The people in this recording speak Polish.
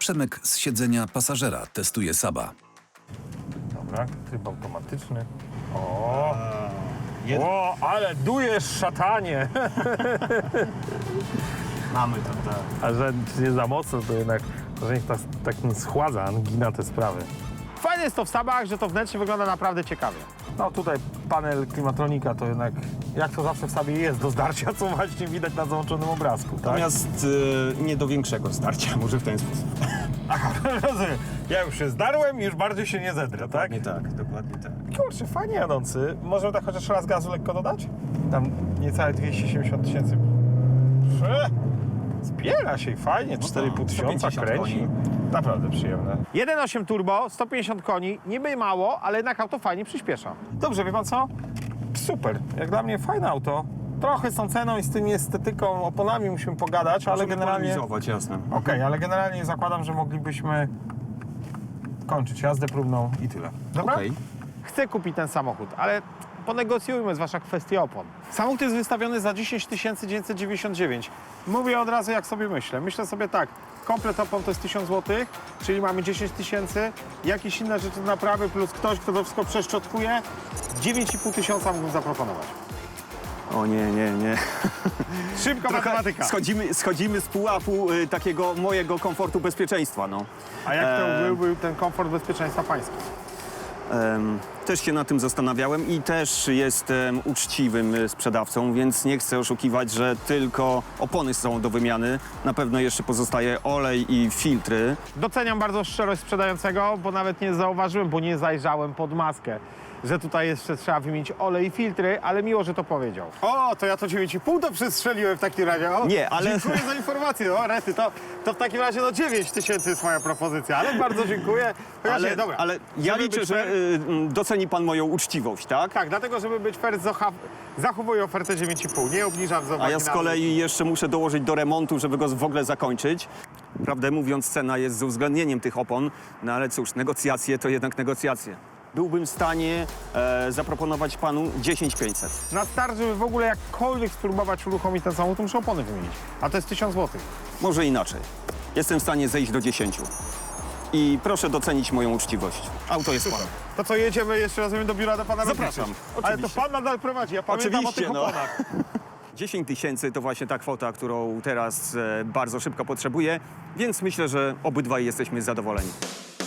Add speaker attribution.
Speaker 1: Przemek z siedzenia pasażera testuje Saba.
Speaker 2: Dobra, tryb automatyczny. O, ale dujesz, szatanie!
Speaker 3: Mamy to, tak.
Speaker 2: A że nie za mocno, to jednak że niech tak nie schładza, angina te sprawy. Fajne jest to w Sabach, że to wnętrze wygląda naprawdę ciekawie. No tutaj panel klimatronika to jednak, jak to zawsze w Sabie jest do zdarcia, co właśnie widać na załączonym obrazku, tak?
Speaker 3: Natomiast nie do większego starcia, może w ten sposób.
Speaker 2: Aha, rozumiem. Ja już się zdarłem i już bardziej się nie zedrę, tak?
Speaker 3: Nie tak, dokładnie tak.
Speaker 2: Kurczę, fajnie jadący. Możemy tak chociaż raz gazu lekko dodać? Tam niecałe 270 tysięcy. Zbiera się i fajnie, 4,5 tysiąca
Speaker 3: 150
Speaker 2: kręci.
Speaker 3: koni.
Speaker 2: Naprawdę przyjemne. 1,8 turbo, 150 koni, niby mało, ale jednak auto fajnie przyspiesza. Dobrze, wie pan co? Super, jak dla mnie fajne auto. Trochę z tą ceną i z tymi estetyką, oponami musimy pogadać, ale
Speaker 3: Możemy
Speaker 2: generalnie...
Speaker 3: polemizować, jasne.
Speaker 2: Okej, ale generalnie zakładam, że moglibyśmy kończyć jazdę próbną i tyle. Dobra?
Speaker 3: Okej.
Speaker 2: Chcę kupić ten samochód, ale ponegocjujmy, zwłaszcza kwestię opon. Samochód jest wystawiony za 10 999. Mówię od razu, jak sobie myślę. Myślę sobie tak, komplet opon to jest 1000 zł, czyli mamy 10 000, jakieś inne rzeczy do naprawy plus ktoś, kto to wszystko przeszczotkuje, 9,5 tysiąca mógłbym zaproponować.
Speaker 3: O nie.
Speaker 2: Szybka matematyka.
Speaker 3: Schodzimy z pułapu takiego mojego komfortu bezpieczeństwa, no.
Speaker 2: A jak to byłby ten komfort bezpieczeństwa pański?
Speaker 3: Też się nad tym zastanawiałem i też jestem uczciwym sprzedawcą, więc nie chcę oszukiwać, że tylko opony są do wymiany. Na pewno jeszcze pozostaje olej i filtry.
Speaker 2: Doceniam bardzo szczerość sprzedającego, bo nawet nie zauważyłem, bo nie zajrzałem pod maskę, że tutaj jeszcze trzeba wymienić olej i filtry, ale miło, że to powiedział. O, to ja to 9,5 to przestrzeliłem w takim razie. O,
Speaker 3: Nie, ale-
Speaker 2: Dziękuję za informację. O, rety, to w takim razie 9 tysięcy jest moja propozycja, ale bardzo dziękuję. Chociaż nie, dobra.
Speaker 3: Ale ja
Speaker 2: Żeby
Speaker 3: liczę,
Speaker 2: być
Speaker 3: że
Speaker 2: fair-
Speaker 3: doceni pan moją uczciwość, tak?
Speaker 2: Tak, dlatego, żeby być fair, zachowuję ofertę 9,5, nie obniżam z
Speaker 3: A
Speaker 2: uwagi
Speaker 3: ja z
Speaker 2: na-
Speaker 3: kolei jeszcze muszę dołożyć do remontu, żeby go w ogóle zakończyć. Prawdę mówiąc, cena jest z uwzględnieniem tych opon, no ale cóż, negocjacje to jednak negocjacje. Byłbym w stanie zaproponować panu 10 500.
Speaker 2: Na start, żeby w ogóle jakkolwiek spróbować uruchomić ten samochód, to muszę opony wymienić. A to jest 1000 zł.
Speaker 3: Może inaczej. Jestem w stanie zejść do 10. I proszę docenić moją uczciwość. Auto jest pana.
Speaker 2: To co, jedziemy jeszcze razem do biura do pana
Speaker 3: Zapraszam,
Speaker 2: rozliczyć? Ale to
Speaker 3: oczywiście.
Speaker 2: pan nadal prowadzi, ja pamiętam o tych
Speaker 3: Oczywiście, no.
Speaker 2: oponach.
Speaker 3: 10 000 to właśnie ta kwota, którą teraz bardzo szybko potrzebuję, więc myślę, że obydwaj jesteśmy zadowoleni.